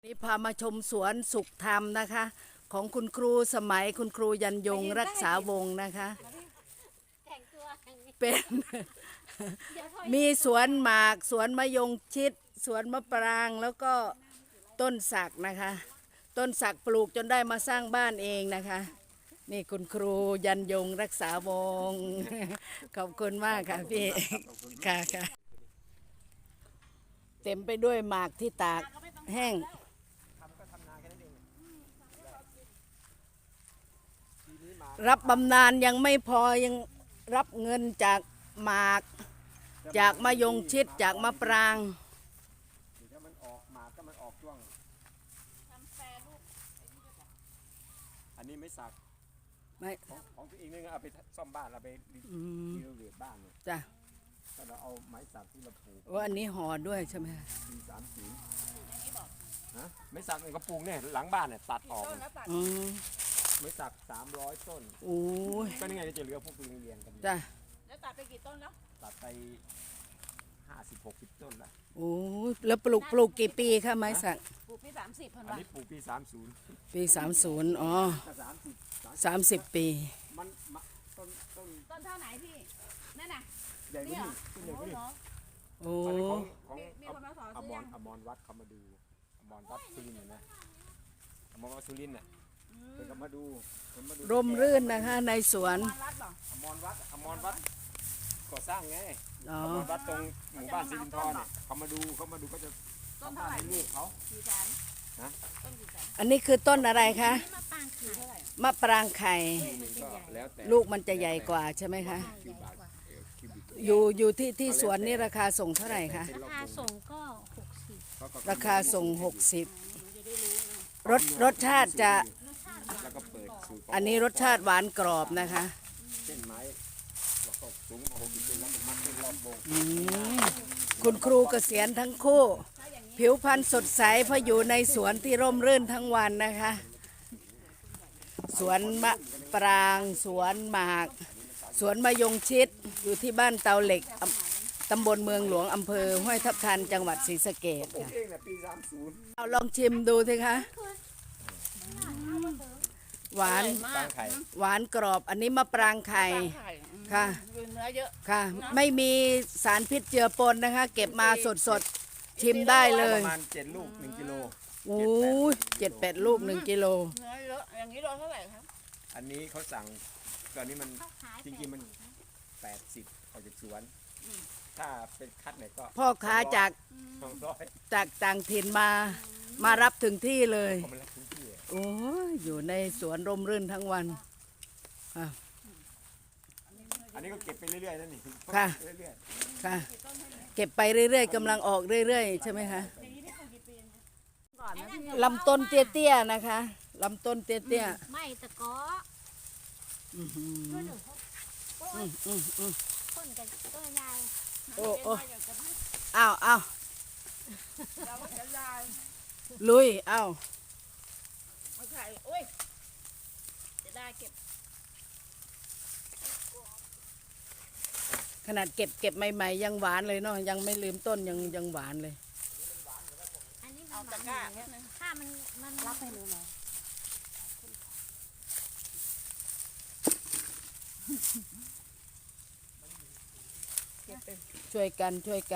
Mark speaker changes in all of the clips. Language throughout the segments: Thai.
Speaker 1: นี่พามาชมสวนสุขธรรมนะคะ ของคุณครูสมัยคุณครูยันยงรักษาวงศ์นะคะเป็น มีสวนหมากสวนมะยงชิดสวนมะปรางแล้วก็ต้นสักนะคะ ต้นสักปลูกจนได้มาสร้างบ้านเองนะคะ นี่คุณครูยันยงรักษาวงศ์ขอบคุณมากค่ะพี่ค่ะค่ะเต็มไปด้วยหมากที่ตากแห้งรับบำนาญยังไม่พอยังรับเงินจากหมากจากมะยงชิดจากมะปราง
Speaker 2: ถ้ามันออกหมากก็มันออกช่วงอันนี้ไม่สัก
Speaker 1: ไม่
Speaker 2: ของตัวเองนี่เอาไปซ่อมบ้านเราไปรีโนเวทบ้านเนี่ย
Speaker 1: จ้ะ
Speaker 2: ถ้าเราเอาไม้สักที่เราปลูก
Speaker 1: ว่าอันนี้ห่อด้วยใช่ไหม
Speaker 2: ปี30นะไม้สักในกระปุกเนี่ยหลังบ้านเนี่ยตัดออกไม้สัก300 ต้น
Speaker 1: โอ้ย
Speaker 2: ก็นี่ไงจะเหลือพวกตัวเรียนกัน
Speaker 1: จ้ะ
Speaker 3: แล้วตัดไปกี่ต้นแล้ว
Speaker 2: ตัดไป50-60 ต้นละ
Speaker 1: โอ้ยแล้วปลูกกี่ปีคะไม้สัก
Speaker 3: ปลูกปี30
Speaker 2: อันนี้ปลูกปี30
Speaker 1: ปี30อ๋อ30 ปี
Speaker 2: มัน
Speaker 3: ต้นเท่าไหนพี่นั่นน่ะ
Speaker 2: ใหญ่กว่านี้ต้นใหญ่กว่านี้
Speaker 1: โอ้
Speaker 2: ของอมรวัดเขามาดูอมรวัดสุรินทร์นะอมรวัดสุรินทร์น่ะเป็นก็มาดู
Speaker 1: ร่มรื่นนะคะในสวน
Speaker 2: อมรวัดก่อสร้างไงอมรวัดตรงหมู่บ้านสิรินทร์เนี่ยเขามาดูก็จะ
Speaker 3: ต้นเท่าไหร่
Speaker 2: ลูกเขา
Speaker 3: นะต้นกี่แสน
Speaker 1: อันนี้คือต้นอะไรคะมะปรางไข่ลูกมันจะใหญ่กว่าใช่ไหมคะอยู่ที่สวนนี่ราคาส่งเท่าไหร่คะ
Speaker 4: ราคาส่งก็60
Speaker 1: ราคาส่ง60รสชาติจะอันนี้รสชาติหวานกรอบนะคะ
Speaker 2: เส้นไม้สูง60 เซนแล้วมัดเป็นรอบวง
Speaker 1: คุณครูเกษียณทั้งคู่ผิวพรรณสดใสเพราะอยู่ในสวนที่ร่มรื่นทั้งวันนะคะสวนมะปรางสวนหมากสวนมะยงชิดอยู่ที่บ้านเตาเหล็กตำบลเมืองหลวงอำเภอห้วยทับทันจังหวัดศรีสะเกษค่ะเอาลองชิมดูสิคะหวานกรอบอันนี้มะปรางไข่ค่ะ
Speaker 3: เนื้อเยอะ
Speaker 1: ค่ะไม่มีสารพิษเจือปนนะคะเก็บมาสดชิมได้เลย
Speaker 2: ประมาณ7 ลูก1 กิโล
Speaker 1: โอ้ย7-8 ลูก1 กิโล
Speaker 3: เนื้อเยอะอย่างนี้โลเท่าไหร่ครับ
Speaker 2: อันนี้เขาสั่งตอนนี้มันจริงๆมัน80ออกจากสวนถ้าเป็นคัดเนี่ยก็
Speaker 1: พ่อค้าจากต่างถิ่นมารับถึงที่เลยโอ้ยอยู่ในสวนร่มรื่นทั้งวัน
Speaker 2: อันนี้ก็เก็บไปเรื่อยๆนั่นนี่
Speaker 1: ค่ะค่ะเก็บไปเรื่อยๆกำลังออกเรื่อยๆใช่ไหมคะลำต้นเตี้ยๆนะคะลำต้นเตี้ย
Speaker 4: ๆไม่ตะกอคนกับตัวยาว
Speaker 1: โอ้อ้าวลุยอ้าว
Speaker 3: เอาไข่โอ้ยจะได้เก็บ
Speaker 1: ขนาดเก็บใหม่ๆยังหวานเลยเนาะยังไม่ลืมต้นยังหวานเลย
Speaker 4: อันนี้เอาตะกร้าถ้ามันรับให้หนูหน่อย
Speaker 1: ช่วยกัน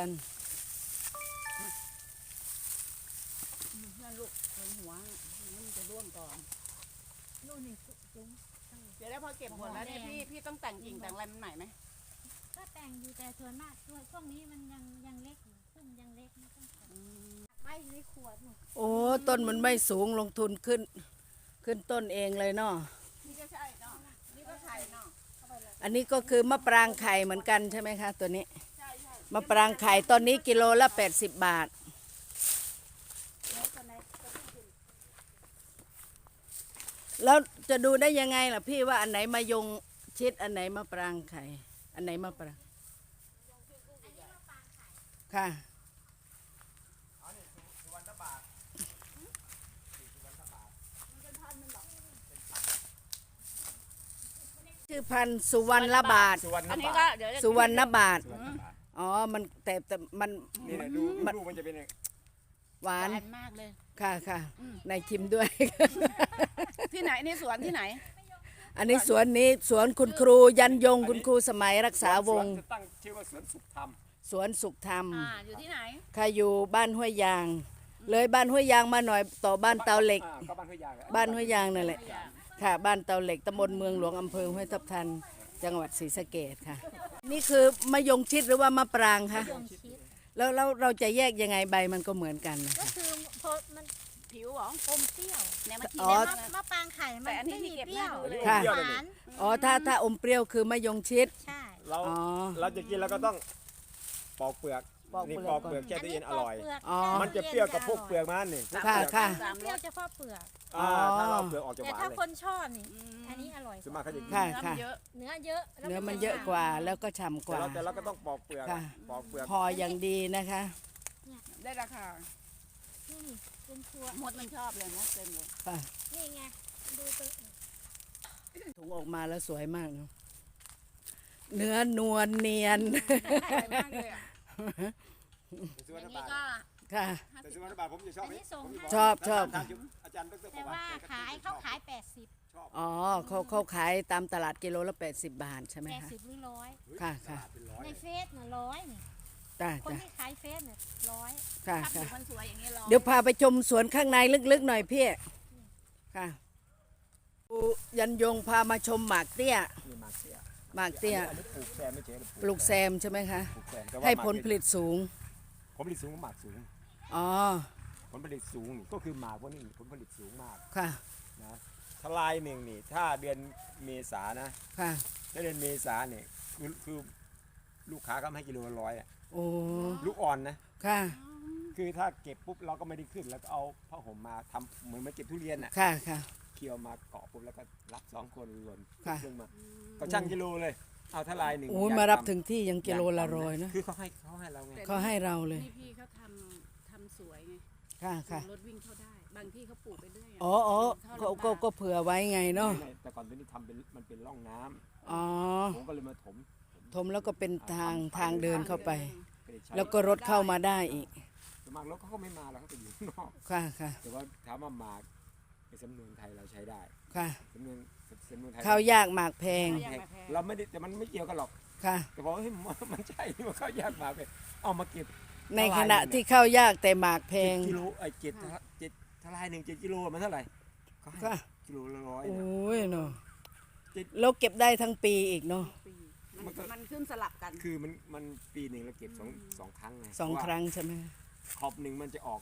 Speaker 3: นั่นลูกหัวมันจะร่วงก่อนนู่นนี่เดี๋ยวแล้วพอเก็บหมดแล้วเนี่ยพี่ต้องแต่งกิ่งแต่งอะไรมันใหม่ไหม
Speaker 4: ก็แต่งอยู่แต่ส่วนมากช่วงนี้มันยังเล็กอยู่ต้นยังเล็กไม่ต้องแต่งไม่ในขวดหนู
Speaker 1: โอ้ต้นมันไม่สูงลงทุนขึ้นต้นเองเลยเนาะ
Speaker 3: นี่ก็ใช่เนาะนี่ก็ไข่เนาะ
Speaker 1: อันนี้ก็คือมะปรางไข่เหมือนกันใช่ไหมคะตัวนี้มะปรางไข่ตอนนี้กิโลละ80 บาทแล้วจะดูได้ยังไงล่ะพี่ว่าอันไหนมายงชิดอันไหนมะปรางไข่อันไหนมะปรางค่ะชื่อพันธุ์สุวรรณบาท
Speaker 3: อันนี้ก็
Speaker 1: สุวรรณบาทอ๋อมันแต่มัน
Speaker 2: นี่ดูมันจะเป็น
Speaker 1: หวาน
Speaker 3: มากเลย
Speaker 1: ค่ะค่ะนายชิมด้วย
Speaker 3: ที่ไหนนี่สวนที่ไหน
Speaker 1: อันนี้สวนนี้สวนคุณครูยันยงคุณครูสมัยรักษาวงศ์
Speaker 2: จะตั้งชื่อว่าสวนสุขธรรม
Speaker 1: สวนสุขธรรม
Speaker 3: อยู่ที่ไหน
Speaker 1: ค่ะอยู่บ้านห้วยยาง เลยบ้านห้วยยางมาหน่อยต่อบ้านเตาเหล็ก
Speaker 2: ก็บ้านห้วยยางอะ
Speaker 1: บ้านห้วยยางนั่นแหละค่ะ บ้านเตาเหล็กตำบลเมืองหลวงอำเภอห้วยทับทันจังหวัดศรีสะเกษค่ะ นี่คือมะยงชิดหรือว่ามะปรางคะ
Speaker 4: ยงชิด
Speaker 1: แล้วเราจะแยกยังไงใบมันก็เหมือนกันนะ
Speaker 4: ก็
Speaker 1: คะ
Speaker 4: คือพอมัน
Speaker 3: ผิวเหรอ
Speaker 4: อมเปรี้ยว
Speaker 3: เนี่ยมากิน
Speaker 1: อ๋อ
Speaker 3: ได้
Speaker 4: มะปรางไข่มัน
Speaker 3: แต่อันนี้
Speaker 4: ไม่
Speaker 3: ที่
Speaker 4: มี
Speaker 3: เก็บ
Speaker 4: เปรี้ยว
Speaker 3: หน้าดูเลย
Speaker 1: ค่ะ
Speaker 4: หวาน
Speaker 1: อ๋อถ้าอมเปรี้ยวคือมะยงชิด
Speaker 4: ใช่
Speaker 2: เรา
Speaker 1: อ๋อ
Speaker 2: เราจะกินเราก็ต้องปอกเปลือก
Speaker 1: ปอกเปลือก
Speaker 2: นี่ปอกเปลือกแช่ตู้เย็นอร่อย
Speaker 1: อ๋อ
Speaker 2: มันจะเปรี้ยวกับพวกเปลือกมันนี่
Speaker 1: ค่ะค่ะ
Speaker 4: เปรี้ยวเฉพาะเปลือก
Speaker 2: ถ้าเราเอาเปลือกออกจะห
Speaker 4: แต่
Speaker 2: วาน
Speaker 4: ถ้า
Speaker 2: เลย
Speaker 4: คนชอบนี่อันนี้อร่อย
Speaker 2: ส่วนมากเขาจะกิน
Speaker 1: ค่ะ
Speaker 3: เนื้อ
Speaker 1: ค่ะ
Speaker 3: มันเยอะ
Speaker 4: เนื้อเยอะแล้ว
Speaker 1: เนื้อมันเยอะกว่าแล้วก็ฉ่ำกว่า
Speaker 2: แต่เราก็ต้องปอกเปลือก
Speaker 1: ค่ะ
Speaker 2: ปอกเปลือก
Speaker 1: พออย่างดีนะคะ
Speaker 3: ได้ราคา
Speaker 4: นี่เป็นครัว
Speaker 3: มดมันชอบเลยมดเต็มเลย
Speaker 1: ค่ะ
Speaker 4: นี่ไงดูตัว
Speaker 1: ถุงออกมาแล้วสวยมากเนอะเนื้อนวลเนียน
Speaker 3: สวยมากเลยอ่ะอย่างนี้ก็
Speaker 1: ค่ะ
Speaker 2: แต่สุวรรณบาทผมจะชอบ
Speaker 4: อันนี้ส่งให้
Speaker 1: ชอบชอบ
Speaker 2: อาจารย์ดร
Speaker 4: แต่ว่าขายเขาขาย
Speaker 1: อ๋อเขาขายตามตลาดกิโลละ80 บาทใช่ไหมคะ
Speaker 4: 80หรือร้อย
Speaker 1: ค่ะค่ะ
Speaker 4: ในเฟซน่ะร้อยนี่
Speaker 1: จ้า
Speaker 4: คน
Speaker 1: จ้า
Speaker 4: ที่ขายเฟซเนี่ยร้อย
Speaker 1: ค่ะ
Speaker 3: ถ้าผิ
Speaker 1: ค่ะ
Speaker 3: วมันสวยอย่างนี้ร้อน
Speaker 1: เดี๋ยวพาไปชมสวนข้างในลึกๆหน่อยพี่ค่ะครูยันยงพามาชมหมากเตี้ย
Speaker 2: นี่มาเสีย
Speaker 1: หมากเตี้ย
Speaker 2: อันนี้ปลูกแซมไม่ใช่
Speaker 1: ปลูกแซมใช่ไหมคะ
Speaker 2: ปลูกแซมแต่ว่า
Speaker 1: ให้ผลผลิตสูง
Speaker 2: ผลผลิตสูงกว่าหมากสูง
Speaker 1: อ๋อ
Speaker 2: ผลผลิตสูงนี่ก็คือหมากพวกนี้ผลผลิตสูงมาก
Speaker 1: ค่ะ
Speaker 2: นะทลายหนึ่งนี่ถ้าเดือนเมษานะ
Speaker 1: ค่ะ
Speaker 2: ถ้าเดือนเมษาเนี่ยคือลูกค้าก็ให้กิโลละ100อ่ะ
Speaker 1: โอ้
Speaker 2: ลูกอ่อนนะ
Speaker 1: ค่ะ
Speaker 2: คือถ้าเก็บปุ๊บเราก็ไม่ได้ขึ้นแล้วก็เอาผ้าห่มมาทำเหมือนมาเก็บทุเรียนอ่ะ
Speaker 1: ค่ะค่ะ
Speaker 2: เคี่ยวมาเกาะปุ๊บแล้วก็รับ2 คนหล่น
Speaker 1: ค่ะ
Speaker 2: เครื่องมาก็ช่างกิโลเลย เอาทลายหนึ่ง
Speaker 1: โอ้ย
Speaker 2: อยก
Speaker 1: มารับ
Speaker 2: ทำ
Speaker 1: ถึงที่ยังกิโลละร้อยนะ
Speaker 2: คือเขาให้เราไง
Speaker 1: เขาให้เราเลย
Speaker 3: นี่พี่เขาทำสวยไง
Speaker 1: ค่ะค่ะ
Speaker 3: รถวิ่งเข้าได้ บางที่เขาปลูกไปเรื่อย
Speaker 1: อ๋ออ๋อก็เผื่อไว้ไงเนาะ
Speaker 2: ไม่แต่ก่อนตัวนี้ทำเป็นมันเป็นร่องน้ำ
Speaker 1: อ๋อ
Speaker 2: ผมก็เลยมาถม
Speaker 1: ถมแล้วก็เป็นทางเดินเข้าไป
Speaker 2: ไม่ได้ใช้
Speaker 1: แล้วก็รถเข้ามาได้อีก
Speaker 2: ส่วนมากรถเขาก็ไม่มาแล้วเขาจะอยู่ข้างนอก
Speaker 1: ค่ะค่ะ
Speaker 2: แต่ว่าถามว่าหมากในสำนวนไทยเราใช้ได้
Speaker 1: ค่ะ
Speaker 2: สำนวนไทย
Speaker 1: ข้าวยากหมากแพง
Speaker 2: เราไม่ได้แต่มันไม่เกี่ยวกันหรอก
Speaker 1: ค่ะ
Speaker 2: แต่บอกว่าเฮ้ยมันใช่ที่ว่าข้าวยากหมากเลยเอามาเก็บ
Speaker 1: ในขณะที่ข้าวยากแต่หมากแพง
Speaker 2: 7 กิโลเจ็ดทลายหนึ่ง7 กิโลมันเท่าไหร่เขาให้
Speaker 1: ค่ะ
Speaker 2: กิโลละ100
Speaker 1: โอ้
Speaker 2: นะ
Speaker 1: ยเนาะแล้วเก็บได้ทั้งปีอีกเนาะ
Speaker 3: ปีมันขึ้นสลับกัน
Speaker 2: คือมันปีหนึ่งเราเก็บสองครั้งไง
Speaker 1: 2 ครั้งใช่ไหม
Speaker 2: ขอบหนึ่งมันจะออก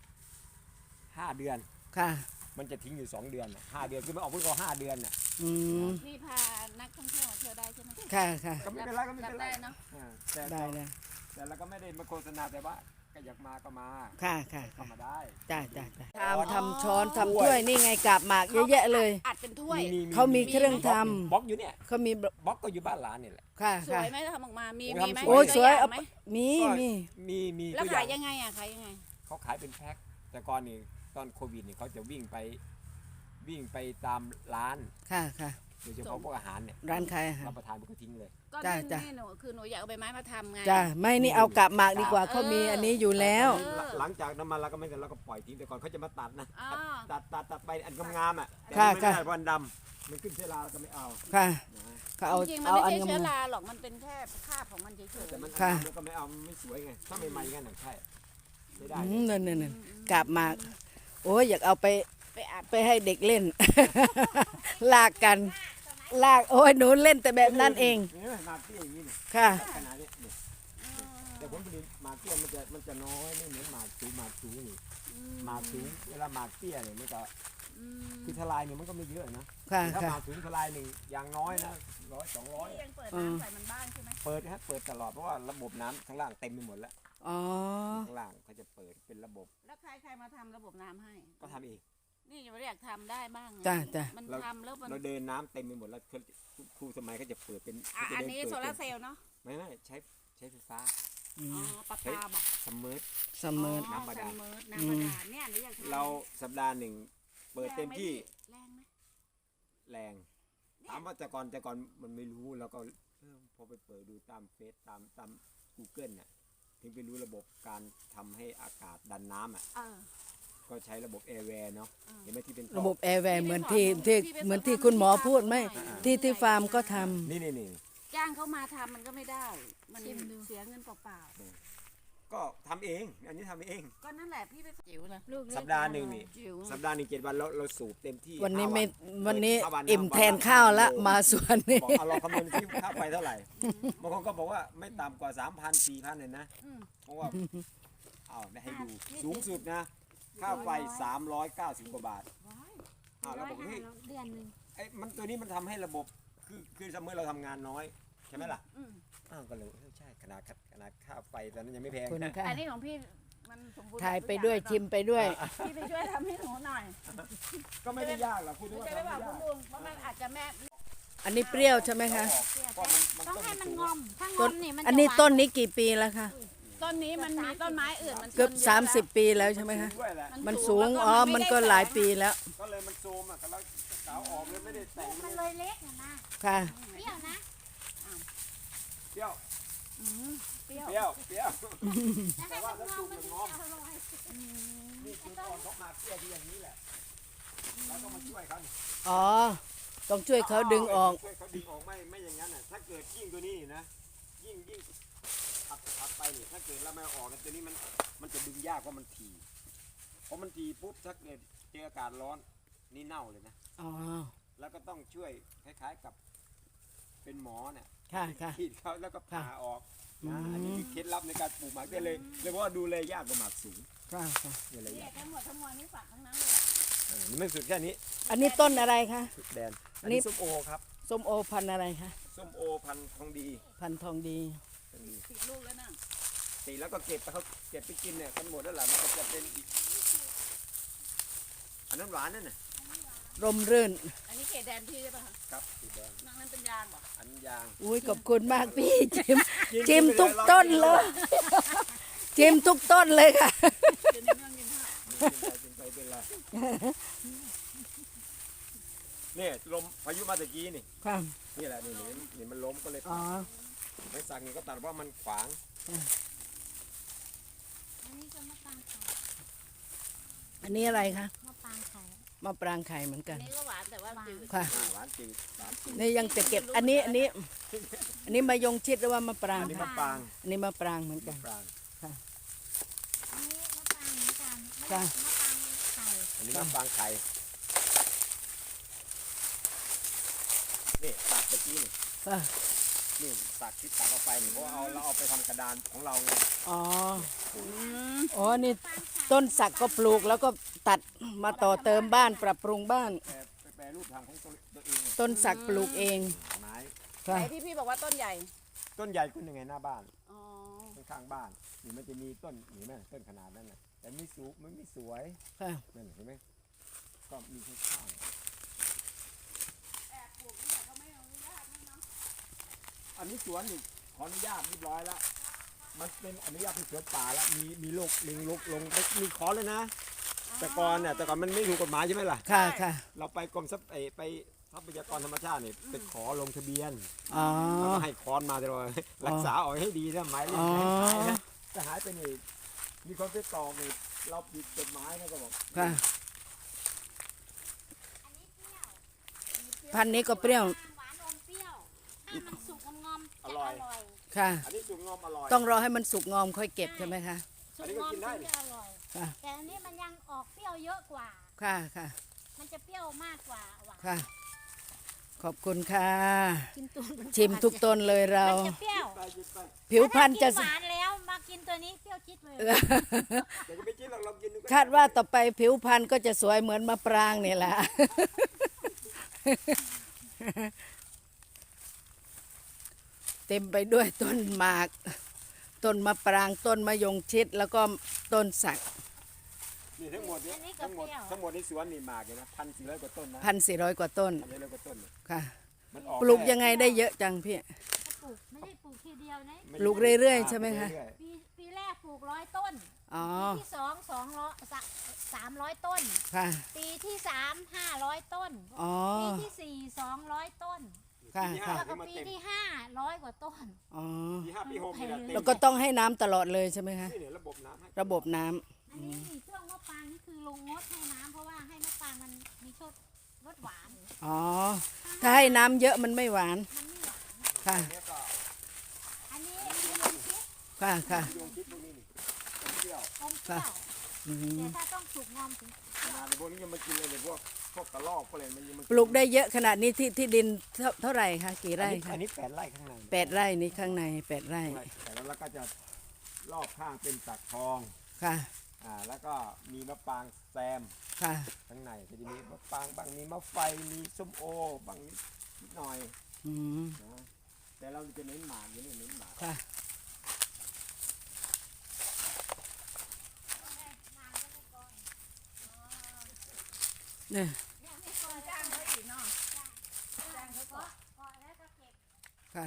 Speaker 2: 5 เดือน
Speaker 1: ค่ะ
Speaker 2: มันจะทิ้งอยู่2 เดือนน่ะ5 เดือนคือมันออกเพิ่งเอา5 เดือนน่ะ
Speaker 1: อืม
Speaker 3: พี่พานักท่องเที่ยวมาเที่ยวได้ใช่ไหม
Speaker 1: ค่ะค่ะ
Speaker 2: ก็ไม่เป็นไรก็ไม่
Speaker 3: รับ
Speaker 2: เป็นไร
Speaker 3: ได้เนาะ
Speaker 2: แต่
Speaker 1: ได้เลย
Speaker 2: แต่เราก็ไม่ได้มาโฆษณาแต่ว่าก็อยากมาก็มา
Speaker 1: ค่ะค่ะ
Speaker 2: เข้ามาได้
Speaker 1: จ้าจ้าจ้าทำช้อนทำถ้วยนี่ไงกาบหมากเยอะแยะเลย
Speaker 3: อัดเป็นถ้วย
Speaker 1: เขามีเครื่องท
Speaker 2: บล็อกอยู่เนี่ย
Speaker 1: ำเขามี
Speaker 2: บล็อกก็อยู่บ้านหลานนี่แหละ
Speaker 1: ค่ะ
Speaker 3: สว
Speaker 1: ค่ะ
Speaker 3: ยไหมถ้าทำออกมา มี
Speaker 2: โอ้ย
Speaker 3: มีไหม
Speaker 2: ทำ
Speaker 1: โอ้ย
Speaker 3: มี
Speaker 1: สวย
Speaker 3: ตั
Speaker 1: เอา
Speaker 3: ไหม
Speaker 1: มี
Speaker 2: มี
Speaker 3: แล้ว
Speaker 2: ตัวอ
Speaker 3: ขา
Speaker 2: ย่าย ง
Speaker 3: ยังไงอ่ะขายยังไง
Speaker 2: เขาขายเป็นแพ็คแต่ก่อนนี่ตอนโควิดนี่เขาจะวิ่งไปตามร้าน
Speaker 1: ค่ะค่ะ
Speaker 2: โดยเฉพาะพวกอาหารเนี่ย
Speaker 1: ร้านขายอาหาร
Speaker 2: รับประทานมันก็ทิ้งเลย
Speaker 3: ก็
Speaker 1: จ้ะ
Speaker 3: นี่
Speaker 1: จ้ะ
Speaker 3: นี่หนูคือหนูอยากเอาใบไม้มาทำไง
Speaker 1: จ้าไม่นี่เอากาบหมากดีกว่าเขามีอันนี้อยู่แล้ว
Speaker 2: หลังจากนั้นมาเราก็ไม่กันเราก็ปล่อยทิ้งแต่ก่อนเขาจะมาตัดนะ
Speaker 3: อ๋อ
Speaker 2: ตัดไปอันงามๆอ่ะแต่
Speaker 1: ค่ะ
Speaker 2: มันไม่ได้
Speaker 1: ค่ะ
Speaker 2: วันดำมันขึ้นเชื้อราเราก็ไม่เอา
Speaker 1: ค่ะ
Speaker 2: นะ
Speaker 1: เขาเอา
Speaker 3: จริงๆมัน
Speaker 1: เอา
Speaker 3: ไม่
Speaker 1: อัน
Speaker 3: ใช่เชื้อง
Speaker 1: าม
Speaker 3: ราหรอก มันเป็นแค่คราบของมันเฉย
Speaker 2: แต่มัน
Speaker 1: ค่ะ
Speaker 2: มันก็ไม่เอามันไม่สวยไงถ้าใหม่ๆกันน่ะใช่ไม่ได้
Speaker 1: นั่นกาบหมากโอ้ยอยากเอาไป
Speaker 3: ๆไปอัด
Speaker 1: ไปให้เด็กเล่น ลากกันลากโอ้ยหนูเล่นแต่แบบนั้นเอง
Speaker 2: นี่หมากเตี้ยอย่างนี้นี่
Speaker 1: ค่ะ
Speaker 2: ขนาดนี้นี่แต่ผลผลิตหมากเตี้ยมันจะน้อยไม่เหมือนหมากสูงนี่หมากสูงเวลาหมากเตี้ยเนี่ยมันก็คือทลายเนี่ยมันก็ไม่เยอะนะ
Speaker 1: ค่ะ
Speaker 2: ถ้าห
Speaker 1: ค่ะ
Speaker 2: มากสูงทลายหนึ่งอย่างน้อยนะ100-200
Speaker 3: ยังเปิดน้ำใส่มันบ้างใช่ไหม
Speaker 2: เปิดฮะเปิดตลอดเพราะว่าระบบน้ำข้างล่างเต็มไปหมดแล้ว
Speaker 1: อ๋อ
Speaker 2: ข้างล่างเขาจะเปิดเป็นระบบ
Speaker 3: แล้วใครมาทำระบบน้ำให้
Speaker 2: ก็ทำเอง
Speaker 3: นี่ยังไม่อยากทำได้บ้างไง
Speaker 1: จ้าจ้า
Speaker 3: มันทำแล้วมัน
Speaker 2: เราเดินน้ำเต็มไปหมดแล้วครูสมัยเขาจะเปิดเป็น
Speaker 3: อันนี้โซ
Speaker 2: เดิ
Speaker 3: ลาร์เซลล์เนาะ
Speaker 2: ไม่ใช้ไฟฟ้า
Speaker 1: อื
Speaker 3: อ๋อ
Speaker 1: ม
Speaker 3: ปลาปลาบอก
Speaker 2: ซัมเมอร์
Speaker 1: เสมอ
Speaker 2: น้ำบาดาล
Speaker 3: ซัมเมอร์น้ำบาดาลเนี่ยหนูอยากทำ
Speaker 2: เราสัปดาห์หนึ่งเปิดเต็มที่
Speaker 3: แรงไหม
Speaker 2: แรงถามว่าแต่ก่อนมันไม่รู้แล้วก็พอไปเปิดดูตามเฟซตาม Google น่ะถึงไปรู้ระบบการทำให้อากาศดันน้ำอ่ะ
Speaker 3: เออ
Speaker 2: ก็ใช้ระบบแอร์แวร์เนาะเห็นไหมที่เป็นท่อ
Speaker 1: ระบบแอร์แวร์เหมือนที่คุณหมอพูดไหมที่ฟาร์มก็ทำ
Speaker 2: นี่
Speaker 3: จ้างเขามาทำมันก็ไม่ได้ มันเสียเงินเปล่า
Speaker 2: ก็ทำเอง อันนี้ทำเอง
Speaker 3: ๆก็นั่นแหละพี่ไปจิ๋วนะ
Speaker 4: ลูกเล็ก
Speaker 2: สัปดาห์หนึ่งนี่
Speaker 3: จิ๋ว
Speaker 2: สัปดาห์หนึ่ง7 วันเราสูบเต็มที่
Speaker 1: วันนี้
Speaker 2: 5
Speaker 1: ไม่
Speaker 2: วั
Speaker 1: วันนี้
Speaker 2: 5
Speaker 1: อิ่มแทนข้าวละมาสวนนี่
Speaker 2: บอกเอาเราคำนวณที่ค่าไฟเท่าไหร่บางคนก็บอกว่าไม่ต่ำกว่า 3,000 4,000เลยนะเพราะว่าเอาได้ให้ดูสูงสุดนะค่าไฟ390 กว่าบาทเราบอกเฮ้ย
Speaker 4: เดือนหนึ่ง
Speaker 2: ไอ้มันตัวนี้มันทำให้ระบบคือเมื่อเราทำงานน้อยใช่ไหมล่ะก็เลยใช่ขนาดค่าไฟตอนนั้นยังไม่แพง
Speaker 1: คุณ
Speaker 2: นะ
Speaker 1: ค่ะ
Speaker 3: อันนี้ของพี่มันสมบูรณ์
Speaker 1: ถ่ายไปด้วยชิมไปด้วย
Speaker 3: พี่ไปช่วยทำให้หนูหน่อย
Speaker 2: ก็ไม่ได้ยากหรอกพูด
Speaker 3: หนู
Speaker 2: ว่า
Speaker 3: จะไป
Speaker 2: ทำ
Speaker 3: บอ
Speaker 2: ไม่
Speaker 3: กคุณ
Speaker 2: ยาก
Speaker 3: ลุงเพราะมันอาจจะแม่
Speaker 1: อันนี้เปรี้ยวใช่ไหมคะ
Speaker 2: ก็มัน
Speaker 4: ต้อง
Speaker 2: ต้น
Speaker 4: ให้
Speaker 2: มัน
Speaker 4: มัน
Speaker 2: สูง
Speaker 4: งอม ถ้าง
Speaker 1: ต้
Speaker 4: อน มนี่มัน
Speaker 1: อันนี้
Speaker 4: จะหวา
Speaker 1: ต้นนี้กี่ปีแล้วคะ
Speaker 3: ต้นนี้มันมีต้นไม้อื่นมัน
Speaker 1: เกือบ
Speaker 3: ชนยอะแล้ว
Speaker 1: 30 ปีแล้วใช่ไหมคะ
Speaker 2: ด้วยแหละ
Speaker 1: มันสูงอ๋อมันก็หลายปีแล้ว
Speaker 2: ก็เลยมันโซมอ่ะก็แล้วสาวออกเลยไม่ได้แต่ง
Speaker 4: มันเลยเล็กนะนะ
Speaker 1: ค่ะ
Speaker 4: เปรี้ยวนะ
Speaker 2: เปรี้ยว
Speaker 3: เปรี้ยว
Speaker 2: เปรี้ยวเปรี้ยว
Speaker 4: แต่ให้มันงอมมันถึงจะอร่อย
Speaker 2: นี่คือตอนเขามาเปรี้ยวที่อย่างนี้แหละแล้วก็มาช่วยเขานี่
Speaker 1: อ๋อต้องช่วยเขาดึงออก
Speaker 2: ช่วยเขาดึงออกไม่อย่างนั้นอ่ะถ้าเกิดยิ่งตัวนี้นะยิ่งถัดไปนี่ถ้าเกิดเราไม่เอาออกนะตัวนี้มันจะดึงยากเพราะมันถี่พอมันถี่ปุ๊บถ้าเกิดเจออากาศร้อนนี่เน่าเลยนะ
Speaker 1: อ๋อ
Speaker 2: แล้วก็ต้องช่วยคล้ายๆกับเป็นหมอเนี่ย
Speaker 1: ค่ะค่ะ
Speaker 2: ขีดเขาแล้วก็ผ่าออก
Speaker 1: อืม
Speaker 2: อันนี้คือเคล็ดลับในการปลูกหมากได้เลยเพราะว่าดูแลยากกว่าหมากสูง
Speaker 1: ค่ะค่ะ
Speaker 2: ดูแล
Speaker 3: เนี่ย
Speaker 2: ยาก
Speaker 3: ทั้งหมดทั้งมวลนี่ฝักทั้งนั้นเลย
Speaker 2: นี่ไม่สุดแค่นี้
Speaker 1: อันนี้ต้นอะไรคะ
Speaker 2: แดน
Speaker 1: อั
Speaker 2: อั
Speaker 1: น
Speaker 2: น
Speaker 1: นี้
Speaker 2: นี้ส้มโอครับ
Speaker 1: ส้มโอพันธุ์อะไรคะ
Speaker 2: ส้มโอพันธุ์ทองดี
Speaker 1: พันธุ์ทองดี
Speaker 3: ติดลูกแล้วนะ
Speaker 2: ตีแล้วก็เก็บไปเขาเก็บไปกินเนี่ยกันหมดแล้วล่ะมันก็จะเป็นอีกอันนั้นหวานนั่นน่ะ
Speaker 1: ร่มรื่น
Speaker 3: อันนี้เขตแดนพี่ใช่ป่ะคะ
Speaker 2: ครับสีแดง
Speaker 3: นอกนั้นเป็นยางเหรอ
Speaker 2: อันยาง
Speaker 1: อุ้ยขอบคุณมากพี่จิมทุกต้นเลยจิมทุกต้นเลยค่ะ
Speaker 3: กินเรื่องกินข้าว
Speaker 2: กินไปเป็นไรเนี่ยลมพายุมาตะกี้นี่
Speaker 1: ค่ะ
Speaker 2: นี่แหละนี่มันล้มก็เลย
Speaker 1: อ๋อ
Speaker 2: ไม่สั่งนี่ก็ตัดเพราะมันขวาง
Speaker 4: อันนี้ก็มะปรางไข่
Speaker 1: อันนี้อะไรคะ
Speaker 4: มะปรางไข่
Speaker 1: มะปรางไข่เหมือนกั
Speaker 3: อั
Speaker 1: น
Speaker 3: นนี้ก็หวานแต่ว่าจืด
Speaker 1: ค่ะ
Speaker 2: หวานจืดหวานจืด
Speaker 1: นี่ยังจะเก็บอันนี้มายงชิดหรือว่ามะปราง
Speaker 2: อันนี้
Speaker 1: คะ
Speaker 2: มะปราง
Speaker 1: อันนี้มะปรางเหมือนกัน
Speaker 2: มะปราง
Speaker 4: อันนี้มะปรางเหมือนกันไม่
Speaker 1: ค่ะ
Speaker 4: มะปรางไข่
Speaker 2: อันนี้มะปรางไข่นี่ตัดตะกี้นี่
Speaker 1: ค่ะ
Speaker 2: นี่ตัดที่ตัดออกไปนี่เพราะว่าเราเอาไปทำกระดานของเราไง
Speaker 1: อ๋ออ๋อนี่ต้นสักก็ปลูกแล้วก็ตัดมาต่อเติมบ้านปรับปรุงบ้าน
Speaker 2: แปรรูปทางของตัวเอง
Speaker 1: ต้นสักปลูกเอง
Speaker 2: ไม้
Speaker 1: ค่ะ
Speaker 3: ไหนที่พี่บอกว่าต้นใหญ่
Speaker 2: ต้นใหญ่ขึ้นยังไงหน้าบ้าน
Speaker 3: อ๋อ
Speaker 2: ข้างๆบ้านนี่มันจะมีต้นนี่ไหมต้นขนาดนั้นน่ะแต่ไม่สูงมันไม่สวย
Speaker 1: ค่ะ
Speaker 2: นั่นเห็นไหมก็มีข้างๆอันนี้สวนนี่ขออนุญาตเรียบร้อยแล้วมันเป็นอนุญาตเป็นสวนป่าแล้วมีโรคลิงลงมีขอเลยนะ แต่ก่อนมันไม่ถูกกฎหมายใช่ไหมล่ะ
Speaker 1: ค่ะค่ะ
Speaker 2: เราไปกรมทรัพย์ไปทรัพยากรธรรมชาตินี่ไปขอลงทะเบียน
Speaker 1: อ๋อ
Speaker 2: แล้วก็ให้คอนมาตลอดรักษาเอาให้ดีนะหมายเลข
Speaker 1: อ๋อ
Speaker 2: หายนะจะหายไปนี่มีคนไปตอกนี่เราผิดกฎหมายนะก็บอก
Speaker 1: ค่ะ พันธุ์นี้ก็เปรี้ยว
Speaker 4: หวานอมเปรี้ยว ถ้ามันสุกงอมๆจะอร่อย
Speaker 1: ค่ะ
Speaker 2: อันนี้สุกงอมอร่อย
Speaker 1: ต้องรอให้มันสุกงอมค่อยเก็บใช่ไหมคะ
Speaker 4: สุกงอมถึงจะอร่อย
Speaker 1: ค่ะ
Speaker 4: แต่อันนี้มันยังออกเปรี้ยวเยอะกว่า
Speaker 1: ค่ะค่ะ
Speaker 4: มันจะเปรี้ยวมากกว่าหวาน
Speaker 1: ค่ะ ขอบคุณค่ะ
Speaker 4: กินตัวมัน
Speaker 1: ชิมทุกต้นเลยเรา
Speaker 4: มันจะเปรี้ยว
Speaker 2: ไปหยิบไป
Speaker 1: ผิวพรรณจะ
Speaker 4: ถ้ากินหวานแล้วมากินตัวนี้เปรี้ยวจิ๊ดเลย
Speaker 2: เดี๋ยวจะไปกินเรากินดูกัน
Speaker 1: คาดว่าต่อไปผิวพรรณก็จะสวยเหมือนมะปรางนี่แหละ เต็มไปด้วยต้นหมาก ต้นมะปรางต้นมะยงชิดแล้วก็ต้นสัก
Speaker 2: นี่ทั้งหมดนี่ทั้งหมดในสวนนี่หมากเลยนะ1,400 กว่าต้นนะ
Speaker 1: 1,400 กว่าต้น
Speaker 2: 1,400 กว่าต้นเนี่ย
Speaker 1: ค่ะ
Speaker 2: มันออก
Speaker 1: ปลูกยังไงได้เยอะจังพี่
Speaker 4: ปลูกไม่ได้ปลูกทีเดียวนะ
Speaker 1: ปลูกเรื่อยๆใช่ไหมคะ
Speaker 2: เรื่อย
Speaker 4: ปีแรกปลูก100 ต้น
Speaker 1: อ๋อ
Speaker 4: ปีที่2 300 ต้น
Speaker 1: ค่ะ
Speaker 4: ปีที่3 500 ต้น
Speaker 1: อ๋อ
Speaker 4: ปีที่4 200 ต้น
Speaker 1: ค่ะ
Speaker 2: ปีที่
Speaker 1: ค่ะ
Speaker 2: ห้า
Speaker 4: แล้วก็ปีที่500 กว่าต้น
Speaker 1: อ๋อ
Speaker 2: ปี5ปี6นี่แหละเต็ม
Speaker 1: แล้วก็ต้องให้น้ำตลอดเลยใช่ไหมคะ
Speaker 2: นี่เนี่ยระบบน้ำให้
Speaker 1: ระบบน้ำ
Speaker 4: อันนี้ช่วงมะปรางนี่คือลุงงดให้น้ำเพราะว่าให้มะปรางมันมีรสหวาน
Speaker 1: อ๋อ ถ้าให้น้ำเยอะมันไม่หวาน
Speaker 4: มันไม่หวาน
Speaker 1: ค่ะ
Speaker 2: เนี้ยก็
Speaker 4: อันนี้มีลมคิด
Speaker 1: ค่ะค่ะ
Speaker 2: ดวงคิดพวกนี้นี่ต้มเปรี้ยว
Speaker 4: อมเปรี้ยว
Speaker 1: อืม
Speaker 4: แต่ถ้าต้องสุกงอมถึง
Speaker 2: ขนาดในพวกนี้ยังมากินเลยเนี่ยพวกกระรอกพวกอะไรมันยังมา
Speaker 1: ปลูกได้เยอะขนาดนี้ที่ดินเท่าไหร่คะกี่ไร่
Speaker 2: อั
Speaker 1: คะ
Speaker 2: นนี้8 ไร่ข้างใน
Speaker 1: 8 ไร่นี้ข้างใน8 ไร่
Speaker 2: แต่แล้วก็จะรอบข้างเป็นสักทอง
Speaker 1: ค่ะ
Speaker 2: แล้วก็มีมะปรางแซม
Speaker 1: ค่ะ
Speaker 2: ข้างในก็จะมีมะปรางบางมีมะไฟมีส้มโอบางนิดหน่อย
Speaker 1: อืม
Speaker 2: นะแต่เราจะเน้นหมากอยู่นี่เน้นหมาก
Speaker 1: ค่ะเนี่ย
Speaker 3: จ้างเขาอีกเนาะ
Speaker 4: เกาะแล้วก็เก็บ
Speaker 1: ค่ะ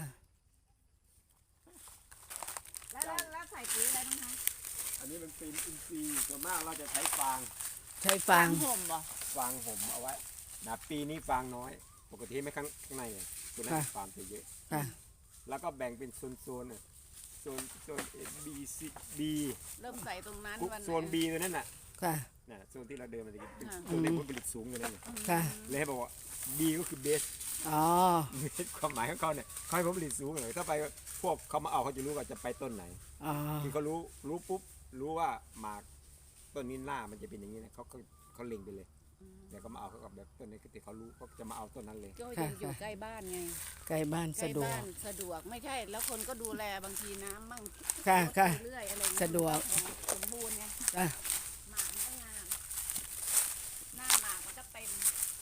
Speaker 3: แล้วใส่ปุ๋ยอะไรบ้างคะ
Speaker 2: อันนี้มันเป็นอินทรีย์ส่วนมากเราจะใช้ฟาง
Speaker 1: ใช้ฟาง
Speaker 3: ห่มบ่
Speaker 2: ฟางห่มเอาไว้นะปีนี้ฟางน้อย ปกติไม่ข้างในอ่ะตัวนั้นฟางจะเยอะ
Speaker 1: ค่ะ
Speaker 2: แล้วก็แบ่งเป็นโซนๆน่ะโซน B C B
Speaker 3: เริ่มใส่ตรงนั้นวันไหน
Speaker 2: โซน B ตัวนั้นน่ะ
Speaker 1: ค่ะ
Speaker 2: น่ะโซนที่เราเดินมาตะกี้เป็น
Speaker 3: ค่ะ
Speaker 2: ตัวเล็กผลผลิตสูงอยู่นั่นน่ะ
Speaker 1: ค่ะ
Speaker 2: เลยให้บอกว่า B ก็คือเบส
Speaker 1: อ๋อ
Speaker 2: เบสความหมายของเขาเนี่ยเขาให้ผลผลิตสูงเลยถ้าไปพวกเขามาเอาเขาจะรู้ว่าจะไปต้นไหน
Speaker 1: อ๋อ
Speaker 2: คือเขารู้ปุ๊บรู้ว่าหมากต้นนี้หน้ามันจะเป็นอย่างนี้นะเขาเล็งไปเลยเดี๋ยวก็มาเอาเขากับแบบต้นนี้คือเขารู้เขาจะมาเอาต้นนั้นเลย
Speaker 3: ก็ยังอยู่ใกล้บ้านไง
Speaker 1: ใกล้บ้าน
Speaker 3: ใกล้
Speaker 1: สะดวก
Speaker 3: บ้านสะดวกไม่ใช่แล้วคนก็ดูแลบางทีน้ำมั่ง
Speaker 1: ค่ะค่ะ
Speaker 3: เรื่อยอะไรเงี้ย
Speaker 1: สะดวก
Speaker 3: สมบูรณ์ไง
Speaker 1: อ่ะ
Speaker 3: หมากมันก็งามหน้าหมากมันก็เต็ม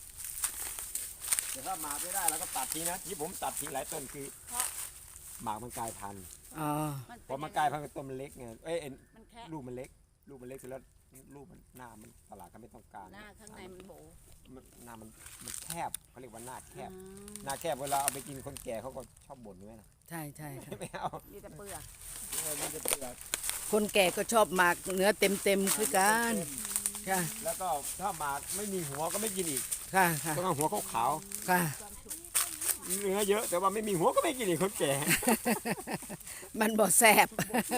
Speaker 2: แต่ถ้าหมากไม่ได้เราก็ตัดทีนะที่ผมตัดทีหลายต้นคือ
Speaker 3: เพราะ
Speaker 2: หมากมันกลายพันธุ์
Speaker 1: อ๋อ
Speaker 2: พอมันกลายพันธุ์ต้นมันเล็กไง
Speaker 3: มันแค่
Speaker 2: ลูกมันเล็กเสร็จแล้วลูกมันหน้ามันตลาดก็ไม่ต้องการ
Speaker 3: หน้าข้างในมันโบ
Speaker 2: หน้ามันแคบเขาเรียกว่าหน้าแคบ
Speaker 3: อืม
Speaker 2: หน้าแคบเวลาเอาไปกินคนแก่เขาก็ชอบบ่นด้วยนะ
Speaker 1: ใช่ใช่ค่ะ
Speaker 2: ไม่เอา
Speaker 3: มีแต่เปลือก
Speaker 2: มันจะเปลือก
Speaker 1: คนแก่ก็ชอบหมากเนื้อเต็มคือกันค่ะ
Speaker 2: แล้วก็ถ้าหมากไม่มีหัวก็ไม่กินอีก
Speaker 1: ค่ะค่ะ
Speaker 2: ต้องเอาหัวขาว
Speaker 1: ค่ะ
Speaker 2: ๆเนื้อเยอะแต่ว่าไม่มีหัวก็ไม่กินอีกคนแก่
Speaker 1: มันบ่แสบ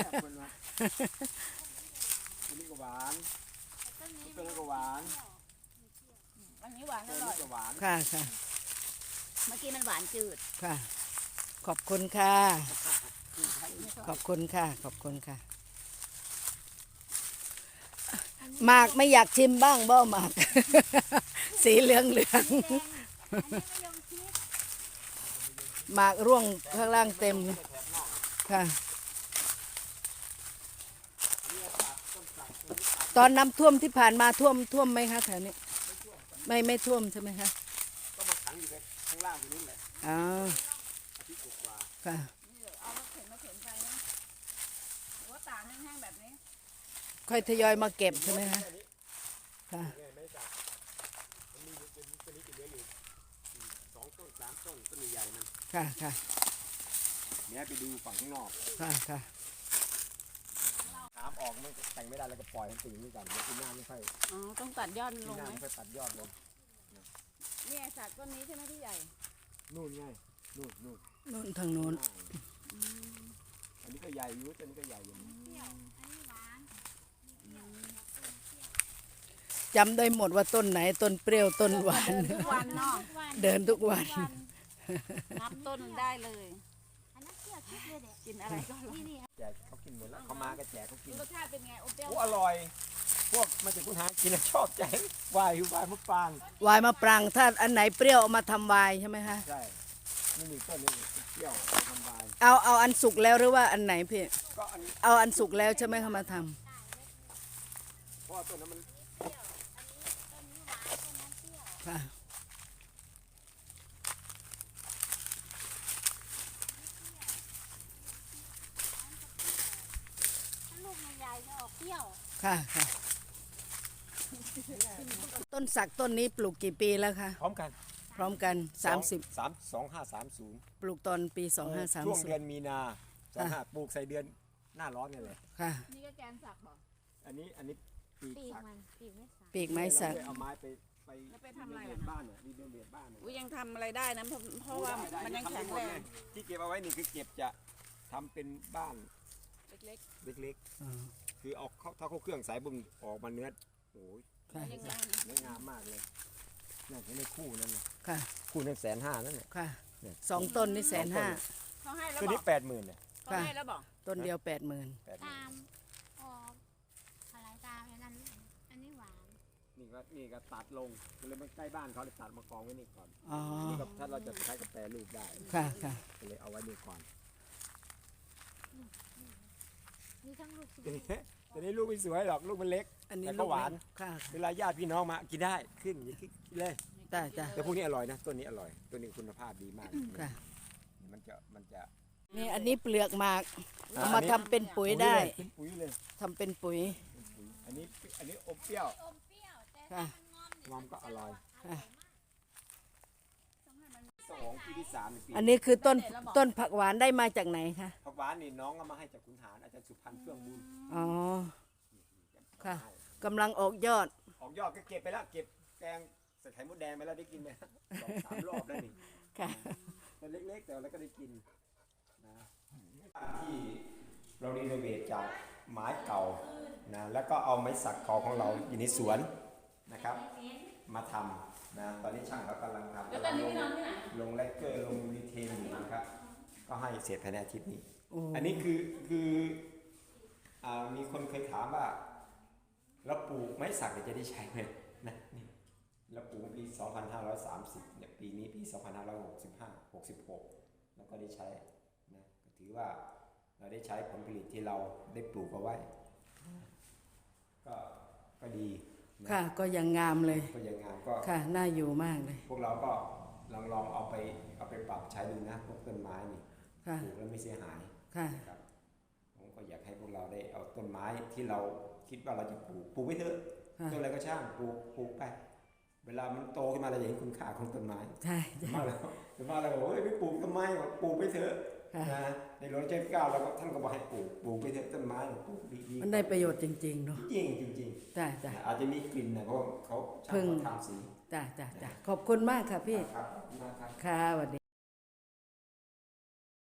Speaker 2: อันนี้ก็หวาน
Speaker 4: ต้นนี้
Speaker 2: ต้นนั้นก็หวาน
Speaker 3: อันนี้หวานอ
Speaker 2: ต้น
Speaker 3: ร่
Speaker 2: นี้
Speaker 3: อย
Speaker 2: ก็หวาน
Speaker 1: ค่ะค่ะ
Speaker 3: เมื่อกี้มันหวานจืด
Speaker 1: ค่ะ ขอบคุณค่ะ ขอบคุณค่ะ ขอบคุณค่ะ หมากไม่อยากชิมบ้างบ่หมาก สีเหลือง
Speaker 4: แดงอันนี้มะยงชิด
Speaker 1: หมากร่วงข้างล่างเต็มค่ะ ตอนน้ำท่วมที่ผ่านมาท่วมไหมคะแถวนี้ ไม่ท่วมใช่ไหมคะ
Speaker 2: ก็มาขังอยู่ข้างล่างตรงนี้แหละ
Speaker 1: อ๋อ
Speaker 2: อาทิตย์กว่า
Speaker 1: ค่ะ
Speaker 3: นี่เอามาเข็นไปนะหรือว่าตากแห้งๆแบบนี้
Speaker 1: ค่อยทยอยมาเก็บใช่ไหมคะ ค่ะ
Speaker 2: เนี่ยไม่จับมันมีอยู่ตัวนี้จะเหลืออยู่2 ต้น 3 ต้นต้นใหญ่ๆมัน
Speaker 1: ค่ะค่ะ
Speaker 2: เนี่ยไปดูฝั่งข้างนอก
Speaker 1: ค่ะค่ะ
Speaker 2: ถามออกมันแต่งไม่ได้แล้วก็ปล่อยมันตีนี่ก่อนเดี๋ยวปีหน้าไม่ค่อย
Speaker 3: อ๋อต้องตัดยอด
Speaker 2: ปี
Speaker 3: ลง
Speaker 2: หน้า
Speaker 3: ไหม
Speaker 2: ไม่ค่อยตัดยอดลง
Speaker 3: เนี่ยสักต้นนี้ใช่ไหมที่ใหญ่
Speaker 2: นู่นไงนู่น
Speaker 1: นู่นทางนู้น
Speaker 2: อันนี้ก็ใหญ่อยู่ตัวนี้ก็ใหญ่อยู่
Speaker 4: เปรี้ยวอันนี้หวาน
Speaker 1: จำได้หมดว่าต้นไหนต้นเปรี้ยวต้นหวาน
Speaker 3: ทุกวันเนาะ
Speaker 4: ทุกวัน
Speaker 1: เดินทุกวัน
Speaker 3: นับต้นได้เลย
Speaker 4: อันนั้นเปรี้ยวชิดเลยเด็ก
Speaker 3: กินอะไรก็อร่อย
Speaker 4: นี่
Speaker 2: แจกเขากินหมดแล้วเขามาก็แจกเขากิน
Speaker 3: รสชาติเป็นไงโอเปรี้ยว
Speaker 2: โอ้อร่อย พวกมาจากคุณหากินแล้วชอบใจวายหิววายมะปราง
Speaker 1: วายมะปรางถ้าอันไหนเปรี้ยวเอามาทำวายใช่ไหมคะ
Speaker 2: ใช่นี่มีต้นนี้เปรี้ยวทำวาย
Speaker 1: เอาอันสุกแล้วหรือว่าอันไหนพี่
Speaker 2: ก็อันนี้
Speaker 1: เอาอันสุกแล้วใช่ไหมคะมาทำ
Speaker 2: เพราะว่าต้นนั้นมัน
Speaker 1: ค่ะ
Speaker 4: ถ้าลูกมันใหญ่จะออกเปรี้ยว
Speaker 1: ค่ะค่ะ ต้นสักต้นนี้ปลูกกี่ปีแล้วคะ
Speaker 2: พร้อมกัน
Speaker 1: พร้อมกัน 30
Speaker 2: 2530
Speaker 1: ปลูกตอนปี
Speaker 2: ช่วงเดือนมีนา25ปลูกใส่เดือนหน้าร้อนนี่แหละ
Speaker 1: 2530 ค่ะ
Speaker 3: นี่ก็แกนสักบอก
Speaker 2: อันนี้ปีก
Speaker 4: ปีก
Speaker 2: สัก
Speaker 4: มันปีกไม่สาย
Speaker 1: ปีกไม้สัก
Speaker 2: เอาไม้ไป
Speaker 3: แล้วไปทำอะไร
Speaker 2: เรีย
Speaker 3: อะ
Speaker 2: นบ้านเนี่ยรีเรียนบ้านเนี่ย
Speaker 3: อุ้ยยังทำอะไรได้นะเพราะว่ามันยังแข็งแรง
Speaker 2: ที่เก็บเอาไว้นี่คือเก็บจะทำเป็นบ้าน
Speaker 3: เล็ก
Speaker 2: เล็กๆคือเอาเข้าถ้าเขาเครื่องสายบุญออกมาเนื้อโอ้ย
Speaker 1: ค่ะ
Speaker 3: ยังไง
Speaker 2: ไม่งามมากเลยน่าจะได้คู่นั่นน่ะ
Speaker 1: ค่ะ
Speaker 2: คู่นั้น150,000นั่นเนี่ย
Speaker 1: ค่ะ
Speaker 2: เนี่ย
Speaker 1: 2 ต้นนี่150,000
Speaker 3: เขาให้แล้ว
Speaker 2: ตัว
Speaker 3: บอ
Speaker 2: นี้
Speaker 3: ก
Speaker 2: 80,000เนี่ย
Speaker 3: เขาให้แล้วบอก
Speaker 1: ต้นเดียว 80,000
Speaker 4: ตามออกอะไรตามอันนั้นอันนี้หวาน
Speaker 2: นี่ก็ตัดลงก็เลยมันใกล้บ้านเขาเลยตัดมากองไว้นี่ก่อน
Speaker 1: อ๋อ
Speaker 2: นี่ก็ถ้าเราจะใช้กาแฟรูปได้
Speaker 1: ค่ะค่ะ
Speaker 2: ก็เลยเอาไว้นี่ก่อน
Speaker 4: มีทั้งลูกสุก
Speaker 2: ตัวนี้ลูกไม่สวยหรอกลูกมันเล็ก
Speaker 1: อันนี้
Speaker 2: แต่
Speaker 1: ลู
Speaker 2: ก็
Speaker 1: ก
Speaker 2: หวาน
Speaker 1: ค่ะ
Speaker 2: เวลาญาติพี่น้องมากินได้ขึ้นอย่างนี้กินเลย
Speaker 1: จ้าจ้า
Speaker 2: แต่พวกนี้อร่อยนะต้นนี้อร่อยต้นนี้คุณภาพดีมาก
Speaker 1: ค่ะ
Speaker 2: มันจะ
Speaker 1: นี่อันนี้เปลือกหมาก
Speaker 2: อ่า
Speaker 1: เอามาทำเป็นปุ๋ยได้
Speaker 2: เป็นปุ๋ยเลย
Speaker 1: ทำเป็นปุ๋ย
Speaker 2: เป็นปุ๋ยอันนี้อมเปรี้ยว
Speaker 4: อมเปรี้ยวแต่
Speaker 1: ค่ะ
Speaker 2: งอมก็อร่อย
Speaker 1: ค่ะ
Speaker 2: 2ปีที่3ปี
Speaker 1: อันนี้คือต้นผักหวานได้มาจากไหนคะ
Speaker 2: ผักหวานนี่น้องเอามาให้จากขุนหารอาจารย์สุพันธ์เฟื่องบุญ
Speaker 1: อ๋อ ค่ะ กำลังออกยอด
Speaker 2: ออกยอดก็เก็บไปแล้วเก็บแกงใส่ไข่มดแดงไปแล้วได้กินไป2-3 รอบแล้วนี่
Speaker 1: ค่ะ
Speaker 2: มันเล็กๆแต่เราก็ได้กินนะที่เรารีโนเวทจากไม้เก่านะแล้วก็เอาไม้สักเก่าของเราอยู่ในสวนนะครับ มาทำนะตอนนี้ช่างเขากำลังทำ
Speaker 3: แล้วตอนนี้พี่นอนที่ไหน
Speaker 2: ลงแลกเกอร์ลงรีเทนอยู่นะครับ ก็ให้เสร็จภายในอาทิตย์นี้
Speaker 1: โอ้
Speaker 2: อันนี้คือมีคนเคยถามว่าเราปลูกไม้สักเนี่ยจะได้ใช้ไหมนะนี่เราปลูกปี 2530เนี่ยปีนี้ปี 2565 66 แล้วก็ได้ใช้นะก็ถือว่าเราได้ใช้ผลผลิตที่เราได้ปลูกเอาไว้ก็ดีนะ
Speaker 1: ค่ะ ก็ยังงามเลย
Speaker 2: ก็ยังงามก็
Speaker 1: ค่ะ น่าอยู่มากเลย
Speaker 2: พวกเราก็ลองเอาไปปรับใช้ดูนะพวกต้นไม้นี่
Speaker 1: ค่ะ
Speaker 2: ปลูกแล้วไม่เสียหาย
Speaker 1: ค่ะ
Speaker 2: นะครับผมก็อยากให้พวกเราได้เอาต้นไม้ที่เราคิดว่าเราจะปลูกไว้เถอะ
Speaker 1: ค่ะ
Speaker 2: ต้นอะไรก็ช่างปลูกไป เวลามันโตขึ้นมาเราจะเห็นคุณค่าของต้นไม้
Speaker 1: ใช่
Speaker 2: ส่วนมากเราบอกเฮ้ยไม่ปลูกทำไมบอกปลูกไปเถอะ
Speaker 1: ค่ะ
Speaker 2: นะในหลวงรัชกาลที่ 9เราก็ท่านก็บอกให้ปลูกไปเถอะต้นไม้ปลูกดีๆ
Speaker 1: มันได้ประโยชน์จริงๆเนาะ
Speaker 2: จริง
Speaker 1: จ้าจ้า
Speaker 2: ๆอาจจะมีกลิ่นนะเพราะว่าเขาช่าง
Speaker 1: พึ่ง
Speaker 2: เขาทำสี
Speaker 1: จ้าจ้าจ้าขอบคุณมากค่ะพี่
Speaker 2: ครับขอบคุณมากครับ
Speaker 1: ค่ะสวัสดี